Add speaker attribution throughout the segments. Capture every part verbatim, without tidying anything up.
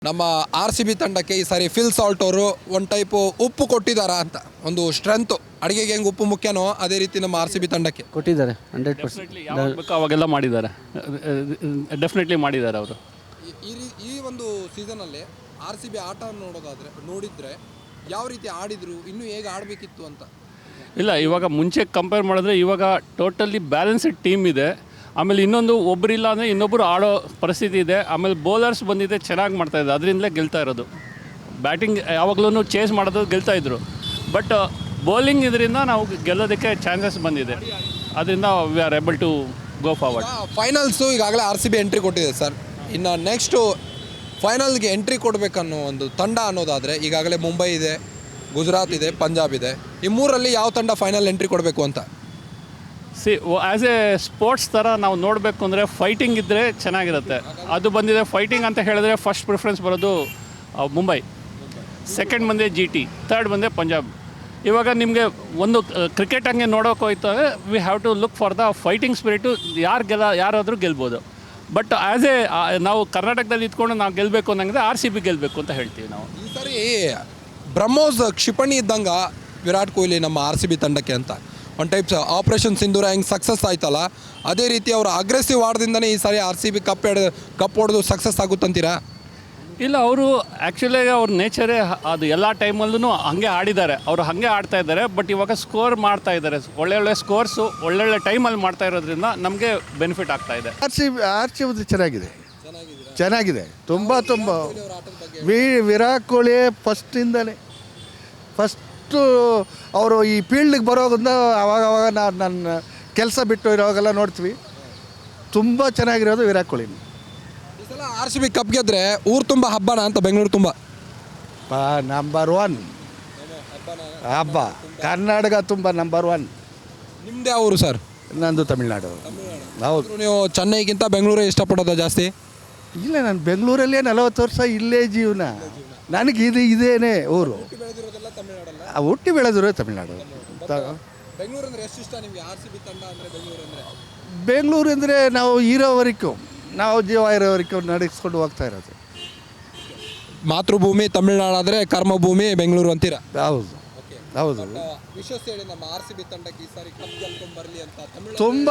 Speaker 1: ನಮ್ಮ R C B ತಂಡಕ್ಕೆ ಈ ಸಾರಿ ಫಿಲ್ ಸಾಲ್ಟ್ ಅವರು ಒಂದು ಟೈಪು ಉಪ್ಪು ಕೊಟ್ಟಿದ್ದಾರಾ ಅಂತ, ಒಂದು ಸ್ಟ್ರೆಂತು ಅಡುಗೆಗೆ ಹೆಂಗೆ ಉಪ್ಪು ಮುಖ್ಯನೋ ಅದೇ ರೀತಿ ನಮ್ಮ ಆರ್ ಸಿ ಬಿ ತಂಡಕ್ಕೆ
Speaker 2: ಕೊಟ್ಟಿದ್ದಾರೆ. ಹಂಡ್ರೆಡ್ ಪರ್ಸೆಂಟ್
Speaker 3: ಬೇಕು ಅವಾಗೆಲ್ಲ ಮಾಡಿದ್ದಾರೆ, ಡೆಫಿನೆಟ್ಲಿ ಮಾಡಿದ್ದಾರೆ ಅವರು.
Speaker 1: ಈ ರೀ ಈ ಒಂದು ಸೀಸನಲ್ಲಿ ಆರ್ ಸಿ ಬಿ ಆಟ ನೋಡೋದಾದರೆ ನೋಡಿದರೆ ಯಾವ ರೀತಿ ಆಡಿದ್ರು, ಇನ್ನೂ ಹೇಗೆ ಆಡಬೇಕಿತ್ತು ಅಂತ.
Speaker 3: ಇಲ್ಲ, ಇವಾಗ ಮುಂಚೆ ಕಂಪೇರ್ ಮಾಡಿದ್ರೆ ಇವಾಗ ಟೋಟಲಿ ಬ್ಯಾಲೆನ್ಸ್ಡ್ ಟೀಮ್ ಇದೆ. ಆಮೇಲೆ ಇನ್ನೊಂದು ಒಬ್ಬರಿಲ್ಲ ಅಂದರೆ ಇನ್ನೊಬ್ಬರು ಆಡೋ ಪರಿಸ್ಥಿತಿ ಇದೆ. ಆಮೇಲೆ ಬೌಲರ್ಸ್ ಬಂದಿದೆ, ಚೆನ್ನಾಗಿ ಮಾಡ್ತಾಯಿದ್ದಾರೆ, ಅದರಿಂದಲೇ ಗೆಲ್ತಾ ಇರೋದು. ಬ್ಯಾಟಿಂಗ್ ಯಾವಾಗಲೂ ಚೇಸ್ ಮಾಡೋದು ಗೆಲ್ತಾಯಿದ್ರು. ಬಟ್ ಬೌಲಿಂಗ್ ಇದರಿಂದ ನಾವು ಗೆಲ್ಲೋದಕ್ಕೆ ಚಾನ್ಸಸ್ ಬಂದಿದೆ. ಅದರಿಂದ we are able to go forward.
Speaker 1: Finals ಈಗಾಗಲೇ ಆರ್ ಸಿ ಬಿ ಎಂಟ್ರಿ ಕೊಟ್ಟಿದೆ ಸರ್. ಇನ್ನು ನೆಕ್ಸ್ಟು ಫೈನಲ್ಗೆ ಎಂಟ್ರಿ ಕೊಡಬೇಕನ್ನೋ ಒಂದು ತಂಡ ಅನ್ನೋದಾದರೆ ಈಗಾಗಲೇ ಮುಂಬೈ ಇದೆ, ಗುಜರಾತ್ ಇದೆ, ಪಂಜಾಬ್ ಇದೆ. ಈ ಮೂರಲ್ಲಿ ಯಾವ ತಂಡ ಫೈನಲ್ ಎಂಟ್ರಿ ಕೊಡಬೇಕು ಅಂತ?
Speaker 3: ಸಿ ಆ್ಯಸ್ ಎ ಸ್ಪೋರ್ಟ್ಸ್ ಥರ ನಾವು ನೋಡಬೇಕು ಅಂದರೆ ಫೈಟಿಂಗ್ ಇದ್ದರೆ ಚೆನ್ನಾಗಿರುತ್ತೆ. ಅದು ಬಂದಿದೆ. ಫೈಟಿಂಗ್ ಅಂತ ಹೇಳಿದ್ರೆ ಫಸ್ಟ್ ಪ್ರಿಫರೆನ್ಸ್ ಬರೋದು ಮುಂಬೈ, ಸೆಕೆಂಡ್ ಬಂದೆ ಜಿ ಟಿ, ಥರ್ಡ್ ಬಂದೆ ಪಂಜಾಬ್. ಇವಾಗ ನಿಮಗೆ ಒಂದು ಕ್ರಿಕೆಟ್ ಹಂಗೆ ನೋಡೋಕೆ ಹೋಯ್ತು ಅಂದರೆ we have to look for the fighting spirit. ಯಾರು ಗೆಲ್ಲ ಯಾರಾದರೂ ಗೆಲ್ಬೋದು. ಬಟ್ ಆ್ಯಸ್ ಎ ನಾವು ಕರ್ನಾಟಕದಲ್ಲಿ ಇದ್ಕೊಂಡು ನಾವು ಗೆಲ್ಲಬೇಕು ಅನ್ನಂಗಿದೆ ಆರ್ ಸಿ ಬಿ ಗೆಲ್ಲಬೇಕು ಅಂತ ಹೇಳ್ತೀವಿ ನಾವು.
Speaker 1: ಈ ಸಾರಿ ಬ್ರಹ್ಮೋಸ್ ಕ್ಷಿಪಣಿ ಇದ್ದಂಗೆ ವಿರಾಟ್ ಕೊಹ್ಲಿ ನಮ್ಮ ಆರ್ ಸಿ ಬಿ ತಂಡಕ್ಕೆ ಅಂತ ಒಂದು ಟೈಪ್ಸ್ ಆಪ್ರೇಷನ್ ಸಿಂಧೂರ ಹೆಂಗೆ ಸಕ್ಸಸ್ ಆಯ್ತಲ್ಲ, ಅದೇ ರೀತಿ ಅವರು ಅಗ್ರೆಸಿವ್ ಆಡದಿಂದನೇ ಈ ಸಾರಿ ಆರ್ ಸಿ ಬಿ ಕಪ್ ಎಡ್ ಕಪ್ ಹೊಡೆದು ಸಕ್ಸಸ್ ಆಗುತ್ತಂತೀರಾ?
Speaker 3: ಇಲ್ಲ, ಅವರು ಆ್ಯಕ್ಚುಲಿಯಾಗಿ ಅವ್ರ ನೇಚರೇ ಅದು ಎಲ್ಲ ಟೈಮಲ್ಲೂ ಹಾಗೆ ಆಡಿದ್ದಾರೆ. ಅವರು ಹಾಗೆ ಆಡ್ತಾ ಇದ್ದಾರೆ. ಬಟ್ ಇವಾಗ ಸ್ಕೋರ್ ಮಾಡ್ತಾ ಇದ್ದಾರೆ, ಒಳ್ಳೆ ಒಳ್ಳೆ ಸ್ಕೋರ್ಸು ಒಳ್ಳೊಳ್ಳೆ ಟೈಮಲ್ಲಿ ಮಾಡ್ತಾ ಇರೋದ್ರಿಂದ ನಮಗೆ ಬೆನಿಫಿಟ್ ಆಗ್ತಾ ಇದೆ.
Speaker 4: R C R C B ಚೆನ್ನಾಗಿದೆ, ಚೆನ್ನಾಗಿದೆ, ತುಂಬ ತುಂಬ. ವಿ ವಿರಾಟ್ ಕೊಹ್ಲಿ ಫಸ್ಟಿಂದಲೇ ಫಸ್ಟು ಅವರು ಈ ಫೀಲ್ಡಿಗೆ ಬರೋದ್ರಿಂದ ಅವಾಗ ಅವಾಗ ನಾನು ನನ್ನ ಕೆಲಸ ಬಿಟ್ಟು ಇರೋವಾಗೆಲ್ಲ ನೋಡ್ತೀವಿ. ತುಂಬ ಚೆನ್ನಾಗಿರೋದು ವಿರಾಟ್ ಕೊಹ್ಲಿ.
Speaker 1: ಈ ಸಲ ಆರ್ ಸಿ ಬಿ ಕಪ್ ಗೆದ್ರೆ ಊರು ತುಂಬ ಹಬ್ಬನ ಅಂತ, ಬೆಂಗಳೂರು ತುಂಬ
Speaker 4: ನಂಬರ್ ಒನ್ ಹಬ್ಬ. ಕರ್ನಾಟಕ ತುಂಬ ನಂಬರ್ ಒನ್.
Speaker 1: ನಿಮ್ಮದೇ ಊರು ಸರ್?
Speaker 4: ನಂದು ತಮಿಳ್ನಾಡು. ಹೌದು.
Speaker 1: ನೀವು ಚೆನ್ನೈಗಿಂತ ಬೆಂಗಳೂರೇ ಇಷ್ಟಪಡೋದು ಜಾಸ್ತಿ?
Speaker 4: ಇಲ್ಲ, ನಾನು ಬೆಂಗಳೂರಲ್ಲೇ ನಲವತ್ತು ವರ್ಷ ಇಲ್ಲೇ ಜೀವನ. ನನಗೆ ಇದು ಇದೇನೇ ಊರು. ಹುಟ್ಟಿ ಬೆಳೆದಿರೋ ತಮಿಳ್ನಾಡು.
Speaker 1: ಬೆಂಗಳೂರು ಅಂದರೆ ಎಷ್ಟು ಇಷ್ಟ ನಿಮಗೆ? ಆರ್ ಸಿ ಬಿ ತಂಡ ಅಂದರೆ ಬೆಂಗಳೂರು ಅಂದರೆ
Speaker 4: ಬೆಂಗಳೂರು ಅಂದರೆ ನಾವು ಇರೋವರೆಗೂ, ನಾವು ಜೀವ ಇರೋವರೆಗೂ ನಡೆಸ್ಕೊಂಡು ಹೋಗ್ತಾ ಇರೋದು.
Speaker 1: ಮಾತೃಭೂಮಿ ತಮಿಳ್ನಾಡು, ಕರ್ಮಭೂಮಿ ಬೆಂಗಳೂರು ಅಂತೀರಾ?
Speaker 4: ಹೌದು ಹೌದು.
Speaker 1: ವಿಶ್ವಾಸ ಹೇಳಿ ನಮ್ಮ ಆರ್ ಸಿ ಬಿ ತಂಡಕ್ಕೆ ಈ ಸಾರಿ ಕಪ್ ಗೆಲ್ಕೊಂಡು ಬರಲಿ ಅಂತ.
Speaker 4: ತುಂಬ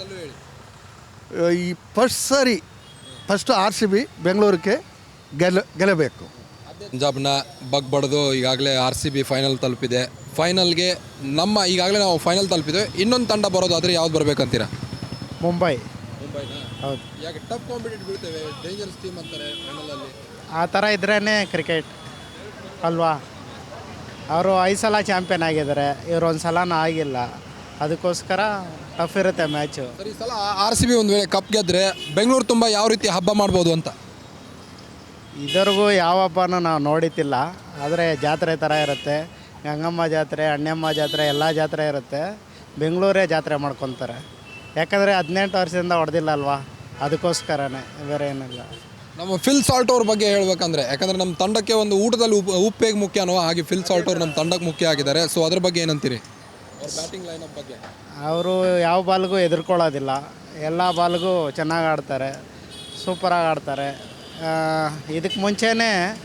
Speaker 4: ಈ ಫಸ್ಟ್ ಸಾರಿ ಫಸ್ಟು ಆರ್ ಸಿ ಬಿ ಬೆಂಗಳೂರಿಗೆ ಗೆಲ್ಲ ಗೆಲ್ಲಬೇಕು.
Speaker 1: ಪಂಜಾಬ್ನ ಬಗ್ ಬಡ್ದು ಈಗಾಗಲೇ ಆರ್ ಸಿ ಬಿ ಫೈನಲ್ ತಲುಪಿದೆ. ಫೈನಲ್ಗೆ ನಮ್ಮ ಈಗಾಗಲೇ ನಾವು ಫೈನಲ್ ತಲುಪಿದೆ. ಇನ್ನೊಂದು ತಂಡ ಬರೋದಾದರೆ ಯಾವ್ದು ಬರಬೇಕಂತೀರಾ?
Speaker 5: ಮುಂಬೈ.
Speaker 1: ಮುಂಬೈನ?
Speaker 5: ಹೌದು.
Speaker 1: ಯಾಕೆ ಟಫ್ ಕಾಂಪಿಟೇಟಿವ್ ಬೀಳ್ತೇವೆ, ಡೇಂಜರಸ್ ಟೀಮ್ ಅಂತಾರೆ ಫೈನಲಲ್ಲಿ.
Speaker 5: ಆ ಥರ ಇದ್ರೇ ಕ್ರಿಕೆಟ್ ಅಲ್ವಾ? ಅವರು ಐದು ಸಲ ಚಾಂಪಿಯನ್ ಆಗಿದ್ದಾರೆ, ಇವರು ಒಂದು ಸಲನೂ ಆಗಿಲ್ಲ. ಅದಕ್ಕೋಸ್ಕರ ಟಫ್ ಇರುತ್ತೆ ಮ್ಯಾಚು.
Speaker 1: ಸರ್, ಈ ಸಲ ಆರ್ ಸಿ ಬಿ ಒಂದು ವೇಳೆ ಕಪ್ ಗೆದ್ದರೆ ಬೆಂಗಳೂರು ತುಂಬ ಯಾವ ರೀತಿ ಹಬ್ಬ ಮಾಡ್ಬೋದು ಅಂತ?
Speaker 5: ಇದ್ರಿಗೂ ಯಾವ ಹಬ್ಬನೂ ನಾವು ನೋಡಿತಿಲ್ಲ. ಆದರೆ ಜಾತ್ರೆ ಥರ ಇರುತ್ತೆ. ಗಂಗಮ್ಮ ಜಾತ್ರೆ, ಅಣ್ಣಮ್ಮ ಜಾತ್ರೆ, ಎಲ್ಲ ಜಾತ್ರೆ ಇರುತ್ತೆ. ಬೆಂಗಳೂರೇ ಜಾತ್ರೆ ಮಾಡ್ಕೊತಾರೆ. ಯಾಕಂದರೆ ಹದಿನೆಂಟು ವರ್ಷದಿಂದ ಹೊಡೆದಿಲ್ಲ ಅಲ್ವಾ, ಅದಕ್ಕೋಸ್ಕರನೇ, ಬೇರೆ ಏನಿಲ್ಲ.
Speaker 1: ನಮ್ಮ ಫಿಲ್ ಸಾಲ್ಟ್ ಅವ್ರ ಬಗ್ಗೆ ಹೇಳ್ಬೇಕಂದ್ರೆ, ಯಾಕಂದರೆ ನಮ್ಮ ತಂಡಕ್ಕೆ ಒಂದು ಊಟದಲ್ಲಿ ಉಪ್ಪು ಉಪ್ಪು ಹೇಗೆ ಮುಖ್ಯನೋ ಹಾಗೆ ಫಿಲ್ ಸಾಲ್ಟ್ ಅವ್ರು ನಮ್ಮ ತಂಡಕ್ಕೆ ಮುಖ್ಯ ಆಗಿದ್ದಾರೆ. ಸೊ ಅದ್ರ ಬಗ್ಗೆ ಏನಂತೀರಿ? ಅವ್ರ ಬ್ಯಾಟಿಂಗ್ ಲೈನಪ್ ಬಗ್ಗೆ?
Speaker 5: ಅವರು ಯಾವ ಬಾಲ್ಗೂ ಎದುರ್ಕೊಳ್ಳೋದಿಲ್ಲ, ಎಲ್ಲ ಬಾಲ್ಗೂ ಚೆನ್ನಾಗಿ ಆಡ್ತಾರೆ, ಸೂಪರಾಗಿ ಆಡ್ತಾರೆ. ಇದಕ್ಕೆ ಮುಂಚೆನೇ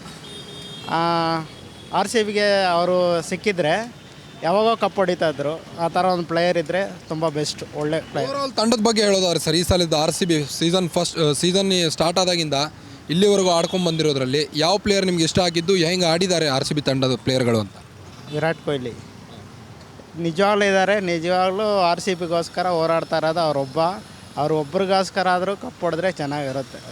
Speaker 5: ಆರ್ ಸಿ ಬಿಗೆ ಅವರು ಸಿಕ್ಕಿದ್ರೆ ಯಾವಾಗೋ ಕಪ್ ಹೊಡಿತಾಯಿದ್ರು. ಆ ಥರ ಒಂದು ಪ್ಲೇಯರ್ ಇದ್ದರೆ ತುಂಬ ಬೆಸ್ಟ್, ಒಳ್ಳೆ ಪ್ಲೇಯರ್.
Speaker 1: ಓವರಾಲ್ ತಂಡದ ಬಗ್ಗೆ ಹೇಳೋದಾದ್ರೆ ಸರ್, ಈ ಸಲದ R C B season first season start ಆದಾಗಿಂದ ಇಲ್ಲಿವರೆಗೂ ಆಡ್ಕೊಂಡು ಬಂದಿರೋದ್ರಲ್ಲಿ ಯಾವ ಪ್ಲೇಯರ್ ನಿಮ್ಗೆ ಇಷ್ಟ ಆಗಿದ್ದು, ಹೆಂಗೆ ಆಡಿದ್ದಾರೆ ಆರ್ ಸಿ ಬಿ ತಂಡದ ಪ್ಲೇಯರ್ಗಳು ಅಂತ?
Speaker 5: ವಿರಾಟ್ ಕೊಹ್ಲಿ ನಿಜವಾಗ್ಲೂ ಇದ್ದಾರೆ. ನಿಜವಾಗ್ಲೂ ಆರ್ ಸಿ ಬಿಗೋಸ್ಕರ ಹೋರಾಡ್ತಾ ಇರೋದು ಅವರೊಬ್ಬ. ಅವ್ರ ಒಬ್ರಿಗೋಸ್ಕರ ಆದರೂ ಕಪ್ ಹೊಡೆದ್ರೆ ಚೆನ್ನಾಗಿರುತ್ತೆ.